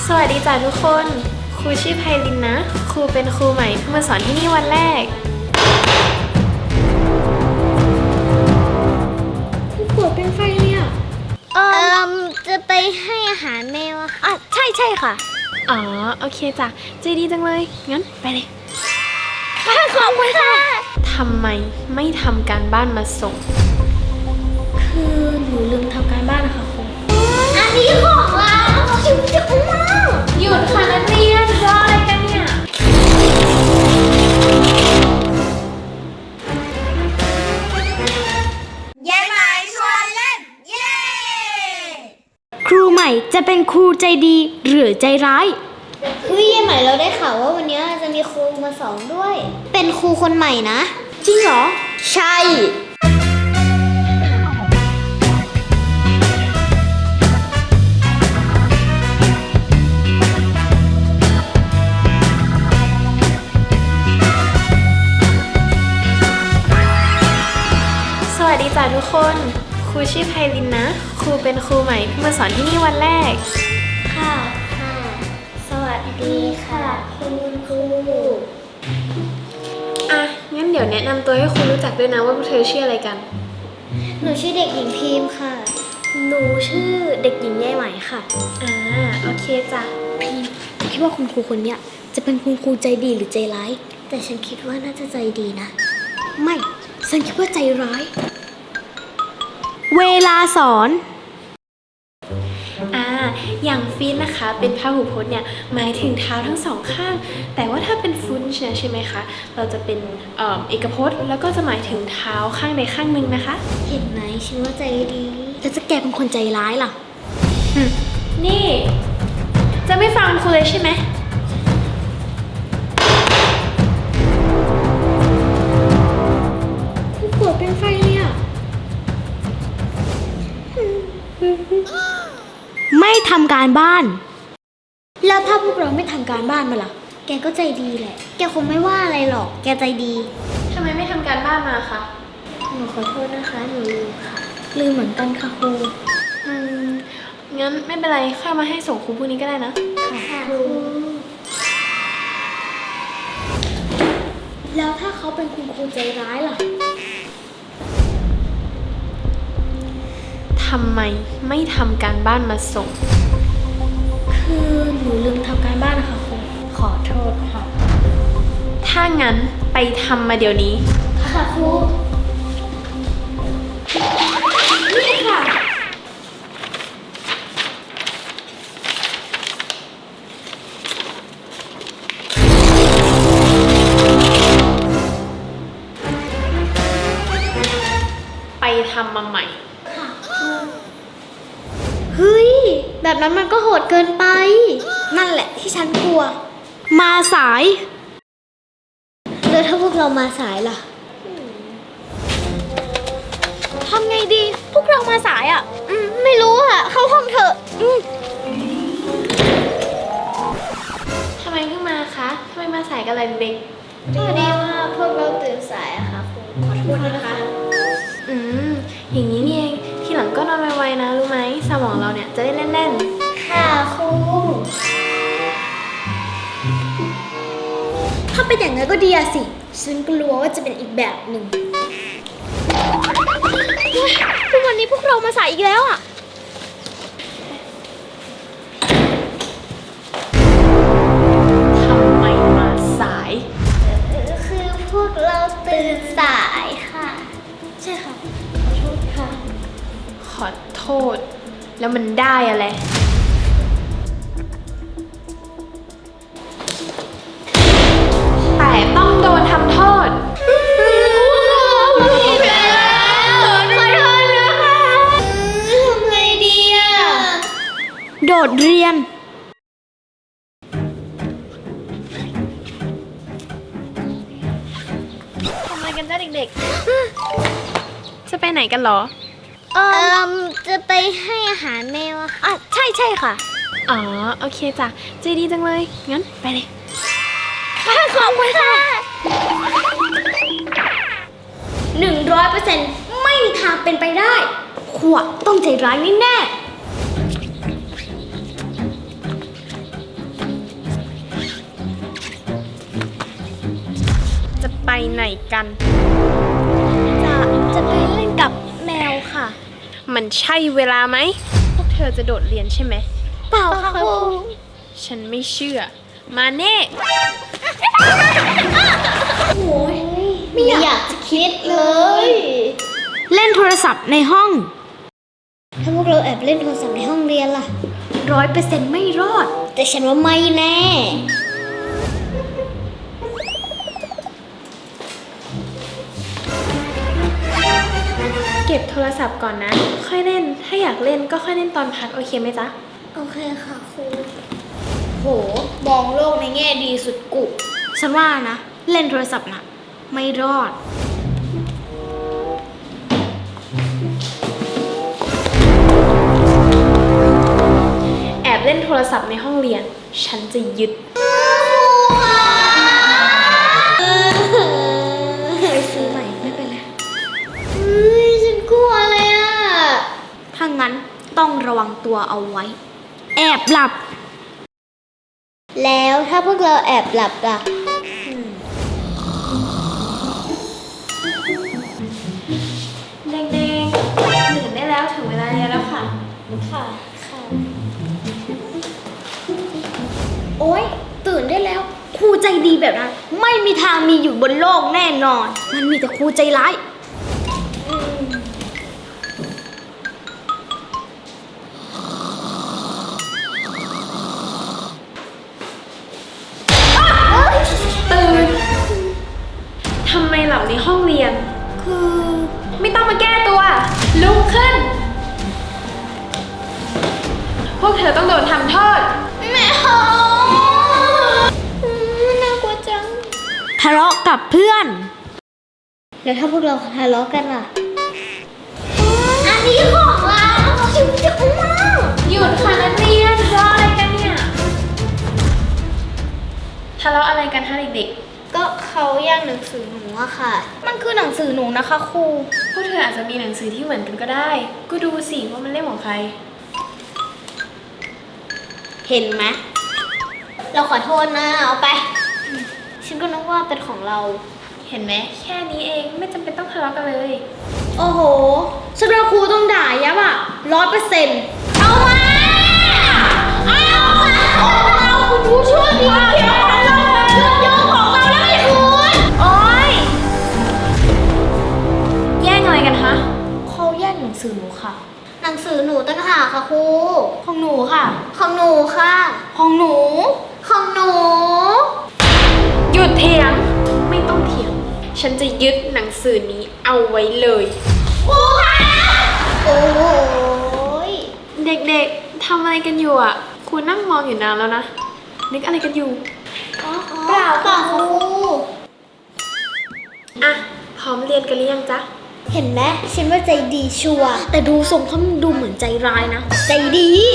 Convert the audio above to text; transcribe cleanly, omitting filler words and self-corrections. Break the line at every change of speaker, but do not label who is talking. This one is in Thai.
สวัสดีจ้ะทุกคนครูชื่อไพลินนะครูเป็นครูใหม่เพิ่งมาสอนที่นี่วันแรกผู้ป่วยเป็นไฟเลยอ่ะ
จะไปให้อาหารแมวอะค่ะใช่ค่ะ
อ๋อโอเคจ้ะใจดีจังเลยงั้นไปเลย
ขอบคุณค่ะ
ทำไมไม่ทำการบ้านมาส่ง
คือหนูลืมทำการบ้านนะคะครูอันนี้ของเราชิวจังมาก
หยุดค่ะนักเรียนรออะไรกันเนี่ย
ยายไหมชวนเล่นเย้
ครูใหม่จะเป็นครูใจดีหรือใจร้ายเฮ้ยยายใหม่เราได้ข่าวว่าวันนี้จะมีครูมาสอนด้วยเป็นครูคนใหม่นะจริงเหรอใช่
สวัสดีจ้ะทุกคนครูชื่อไพลินนะครูเป็นครูใหม่เพิ่งมาสอนที่นี่วันแรก
ค่ะสวัสดีค่ะคุณครู
อ่ะงั้นเดี๋ยวแนะนำตัวให้ครูรู้จักด้วยนะว่าพวกเธอชื่ออะไรกัน
หนูชื่อเด็กหญิงพิมพ์ค่ะหนูชื่อเด็กหญิงยายไหมค่ะ
โอเคจ้ะ
พิมพ์คิดว่าคุณครูคนเนี้ยจะเป็นคุณครูใจดีหรือใจร้ายแต่ฉันคิดว่าน่าจะใจดีนะไม่ฉันคิดว่าใจร้ายเวลาสอน
อย่างฟีนนะคะเป็นพหูพจน์เนี่ยหมายถึงเท้าทั้งสองข้างแต่ว่าถ้าเป็นฟุนช์ใช่ไหมคะเราจะเป็นเอกพจน์แล้วก็จะหมายถึงเท้าข้างใดข้างหนึ่งนะคะ
เห็นไหมฉันว่าใจดีแล้วจะแกเป็นคนใจร้ายล่ะ
นี่จะไม่ฟังครูเลยใช่ไหมผู้ป่วยเป็นไฟเลยอ่ะ
ไม่ทำการบ้านแล้วถ้าพวกเราไม่ทำการบ้านมาล่ะแกก็ใจดีแหละแกคงไม่ว่าอะไรหรอกแกใจดี
ทำไมไม่ทำการบ้านมาคะ
หนูขอโทษนะคะหนูลืมค่ะลืมเหมือนกันค่ะครู
งั้นไม่เป็นไรค่อยมาให้ส่งครูพรุ่งนี้ก็ได้นะ
ค่ะครูแล้วถ้าเขาเป็นคุณครูใจร้ายล่ะ
ทำไมไม่ทำการบ้านมาส่ง
คือหนูลืมทำการบ้านนะคะครูขอโทษค่ะ
ถ้างั้นไปทำมาเดี๋ยวนี้
ค่ะครูนี่ค่ะ
ไปทำมาใหม่
เฮ้ยแบบนั้นมันก็โหดเกินไปนั่นแหละที่ฉันกลัวมาสายแล้วถ้าพวกเรามาสายล่ะทำไงดีพวกเรามาสายอ่ะไม่รู้อ่ะเข้าห้องเถอะ
ทำไมเพิ่งมาคะทำไมมาสายกันล่ะเด็ก
พอดีว่าพวกเราตื่นสายอะค่ะครูขอโทษนะคะ
อย่างนี้นี่เองทีหลังก็นอนไวๆนะรู้ไหมสมองเราเนี่ยจะได้เล่น
ๆค่ะครูถ้าเป็นอย่างนั้นก็ดีสิฉันกลัวว่าจะเป็นอีกแบบหนึ่งทุกวันนี้พวกเรามาสายอีกแล้วอ่ะ
ทำไมมาสาย
คือพวกเราตื่นสายค่ะใช่ค่ะขอโทษค่ะ
ขอโทษแล้วมันได้อะไรแต่ต้องโดนทำโทษ
ผิดแล้วขอโทษนะคะทำไงดีอ่ะโดดเรียน
ทำอะไรกันจ้าเด็กๆจะไปไหนกันหรอ
จะไปให้อาหารแมวอะค่ะใช่ค่ะ
อ๋อโอเคจ้ะใจดีจังเลยงั้นไปเลย
ขอบคุณค่ะ100%ไม่มีทางเป็นไปได้ขวดต้องใจร้ายแน่ๆ
ไหนกัน
จะไปเล่นกับแมวค่ะ
มันใช่เวลาไหม พวกเธอจะโดดเรียนใช่ไหม
เปล่าค่ะครู
ฉันไม่เชื่อ มาเน่
โอ้ยไม่อยากจะคิดเลย เล่นโทรศัพท์ในห้อง ถ้าพวกเราแอบเล่นโทรศัพท์ในห้องเรียนล่ะ100%ไม่รอด แต่ฉันว่าไม่แน่
เก็บโทรศัพท์ก่อนนะ ค่อยเล่น ถ้าอยากเล่นก็ค่อยเล่นตอนพักโอเคไหมจ๊ะ
โอเคค่ะครู โห มองโลกในแง่ดีสุดกุฉันว่านะ เล่นโทรศัพท์นะไม่รอด
แอบเล่นโทรศัพท์ในห้องเรียน ฉันจะยึด
ไปซื้อใหม่ไม่เป็นไรฉันกลัวเลยอะถ้างั้นต้องระวังตัวเอาไว้ แอบหลับ แล้วถ้าพวกเราแอบหลับล่ะ
เด็กๆตื่นได้แล้วถึงเวลาเรียนแล้วค่ะ
ค่ะ โอ๊ย ตื่นได้แล้ว ครูใจดีแบบนั้น ไม่มีทางมีอยู่บนโลกแน่นอน มันมีแต่ครูใจร้าย
ตื่น ทำไมหลับในห้องเรียน
คือ
ไม่ต้องมาแก้ตัว ลุกขึ้น พวกเธอต้องโดนทำโทษ
ไม่เอาน่ากลัวจัง ทะเลาะกับเพื่อน แล้วถ้าพวกเราทะเลาะกันล่ะ อันนี้ของเราชิวจังมาก
หยุดค่ะนักเรียนทะเลาะอะไรกันเนี่ย ทะเลาะอะไรกันคะเด็ก
ก็เขาแย่งหนังสือหนูอะค่ะ มันคือหนังสือหนูนะคะครู
ๆ พวกเธออาจจะมีหนังสือที่เหมือนกันก็ได้ ก็ดูสิว่ามันเล่มของใคร
เห็นไหม เราขอโทษนะ เอาไป ฉันก็นึกว่าเป็นของเรา
เห็นไหมแค่นี้เองไม่จำเป็นต้องทะเลาะกันเลย
โอ้โหฉันว่าครูต้องด่ายับอ่ะ100%เอามา เอาคุณครูช่วยดีเขียวของเราโยงของเราแล้วไม่คุณ
โอ๊ย แย่งอะไรกันคะ
เขาแย่งหนังสือหนูค่ะ หนังสือหนูตั้งหากค่ะครู ของหนูค่ะ ของหนูค่ะ ของหนู ของหนู
หยุดเถียง ไม่ต้องเถียง ฉันจะยึดหนังสือนี้เอาไว้เลย
ครูค่ะ โอ้ย
เด็กๆ ทำอะไรกันอยู่อ่ะ ครูนั่งมองอยู่นานแล้วนะ นึกอะไรกันอยู่
เปล่าค่ะครู
อ่ะ พร้อมเรียนกันหรือยังจ๊ะ
เห็นไหมฉันว่าใจดีชัวร์แต่ดูทรงเขาดูเหมือนใจร้ายนะ ใจดี